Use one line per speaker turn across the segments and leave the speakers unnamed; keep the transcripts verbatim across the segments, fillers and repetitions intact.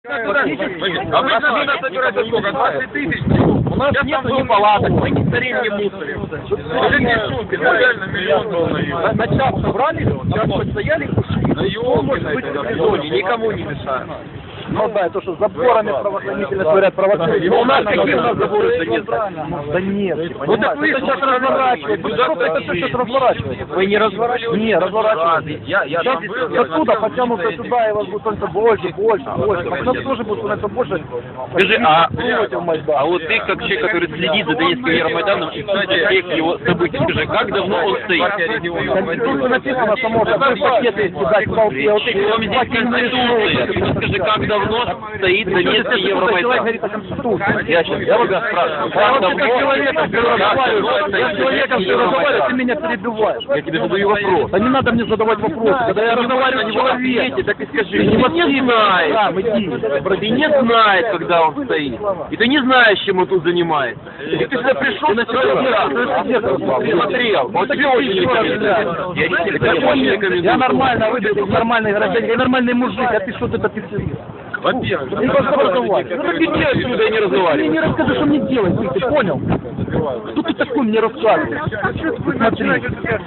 Обычно туда собирается сколько? двадцать тысяч? У нас нет ни палаток, ни старин, ни мусорим. Уже не шутки, реально миллион был на юге.
На час собрали, час постояли,
на юге, на этой зоне, никому не мешают.
Ну да, то, что заборами правоохранительно говорят, провоцируют.
У нас какие у нас заборы? Да нет.
Да нет.
Вот так вы сейчас разворачиваете.
Это все сейчас разворачивается.
Вы не разворачиваете?
Не, разворачиваете.
Я, я
сейчас оттуда потянутся сюда, и вас будет становиться больше, больше, больше. А нас тоже будет становиться больше.
Скажи, а, а вот ты, как человек, который следит за Донецким Евромайданом и в всех его событий, скажи, как давно он стоит?
Конституция написано, что можно пакеты кидать в толпе. Вот эти
Вам здесь Конституция. Скажи, как давно стоит Донецкий Евромайдан? Я сейчас, я тебя спрашиваю, как давно?
Я с человеком все разговариваю, ты меня перебиваешь.
Я тебе задаю вопрос.
Да не надо мне задавать вопросы. Когда я разговариваю с человеком,
так и скажи, ты не знаешь.
Там, иди.
Ты не знаешь, когда он стоит. И ты не знаешь, чем он тут занимается. И ты сюда пришел, ты смотрел. Он тебе очень не рекомендую. Я очень рекомендую.
Я нормально выглядел, нормальный гражданин, я нормальный мужик, а ты что ты это пиццерия?
Во-первых,
Ты просто разговариваешь.
ну иди отсюда и не разговаривай.
Ты мне не расскажи, что мне делать, ты, ты понял? Кто ты такой мне рассказываешь? Смотри.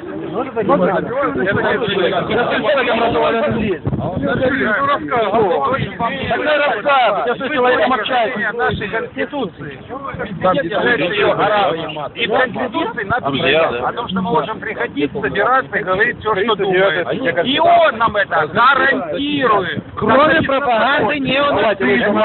Какой рассказ? Я с человеком общаюсь.
Нашей Конституции. И в Конституции написано о том, что мы можем приходить, собираться и говорить все, что думаем. И он нам это гарантирует.
Кроме пропаганды неонацизма.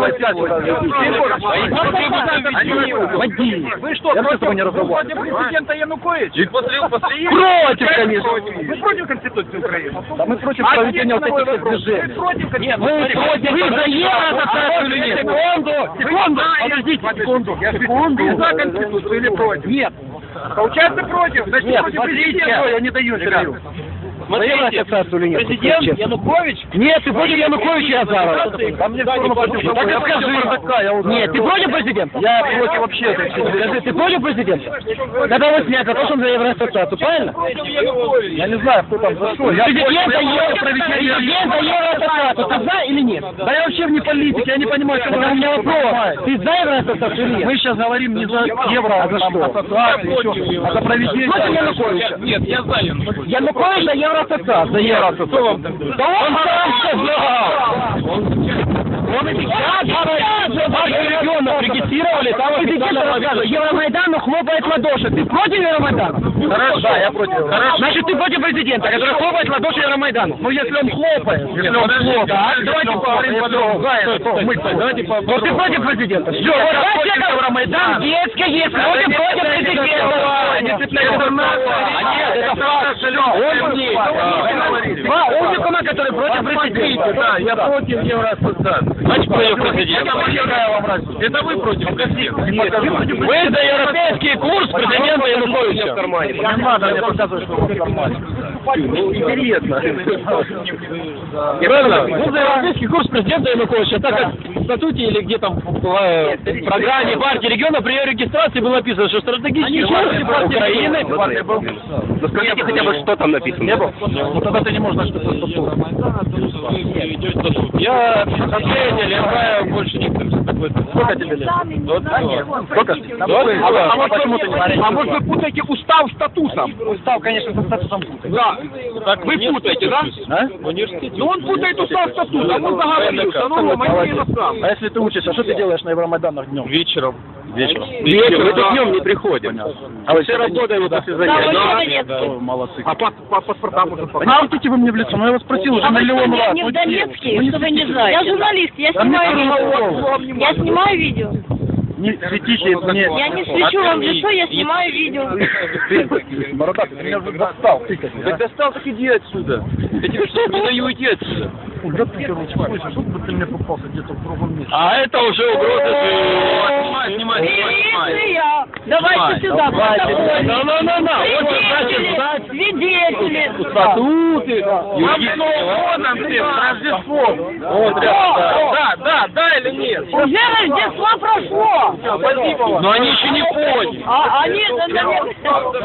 Води. Вы что, против президента Януковича? Против, конечно.
Вы против Конституции Украины?
Да мы против проведения вот этих движений.
Нет,
Мы против. Вы за евроассоциацию или нет? Секунду, секунду, подождите, секунду.
Секунду. Вы за Конституцию или против?
Нет.
Получается против, значит
Нет,
против
смотрите,
президента.
я не даю интервью.
Смотрите,
президент Янукович? Нет, ты против Януковича, Азаров. А мне все равно против. Так и скажи. Нет, ты против президента? Я против вообще. Скажи, ты против президента? Когда его снять, за то, что он за Евроассоциацию, правильно? Я не знаю, кто там за что. Президент за Евроассоциацию, ты за или нет? Да я вообще не политик, я не понимаю, что у меня вопрос. Ты за Евроассоциацию или нет? Мы сейчас говорим не за Евро, а за что? Ассоциацию, а за проведение. Против Януковича?
Нет, я за Януковича.
Янукович за Евроассоциацию. За Евроассоциацию. Да он сам сказал! Он и сейчас региона регистрировали, там официально Евромайдану хлопает в ладоши. Ты против Евромайдана?
Хорошо.
Да, я против.
Хорошо.
Значит, ты против президента, который хлопает в ладоши Евромайдану. Ну, если он хлопает. Если он хлопает. Да, давайте поговорим подробно. Давайте поговорим. Вот ты против президента. Все, вот против Евромайдана. Детская есть. Против против президента. Нет, это факт. Два умника, которые против президента.
Да, я против Евроассоциации.
Значит, против президента.
Это вы против президента?
Нет,
Вы за европейский курс президента Януковича в кармане.
не надо мне показывать, что он в кармане.
Ну, интересно.
Правильно?
Вы за европейский курс президента Януковича, так как в статуте или где там в программе партии региона при ее регистрации было написано, что стратегические важности партии Украины.
Ну скажите хотя бы, что там написано. Не было? Ну тогда ты не можешь знать, что это статут.
Я последний, я знаю больше никто.
Сколько тебе лет? Сколько?
А вот почему ты не говоришь? А может вы путаете устав с статусом?
Устав, конечно, со статусом путает.
Да. Так вы путаете, да?
А?
В университете.
Ну он путает устав с статусом, он договорился, ну Рома, не
А если ты учишься, что ты делаешь на Евромайданах днем?
Вечером. Вечером.
Вечером.
Мы тут днем не приходим. А вы все работаем вот после занятий.
Молодцы.
А по паспортам уже
Не светите вы мне в лицо, ну я вас спросил уже
А вы
миллион
что,
раз.
не
Ну,
в Донецке,
ну, не
что вы не
светите.
знаете? Я журналист, я
Да мне
снимаю
всё
видео. Я снимаю видео.
Не светите мне.
Я не свечу вам в лицо, я снимаю видео.
Ты, бородатый, ты меня уже достал. Ты как,
Так достал, так иди отсюда. Я тебе что, не даю идти отсюда.
Да ты, короче, слышишь, чтобы ты мне попался где-то в другом месте.
А это уже угроза.
Снимай, снимай, снимай.
Милиция! Давайте сюда,
давайте.
протокол.
На-на-на-на. Вот
Свидетели, свидетели.
статуты.
Вам снова нам всем Рождество.
Вот,
Да, да, да или нет?
Уже Рождество прошло.
Спасибо вам.
Но они еще не поняли.
А они, наверное,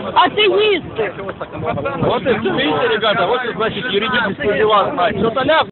атеисты.
Вот это, видите, ребята, вот, значит, юридические дела знаете.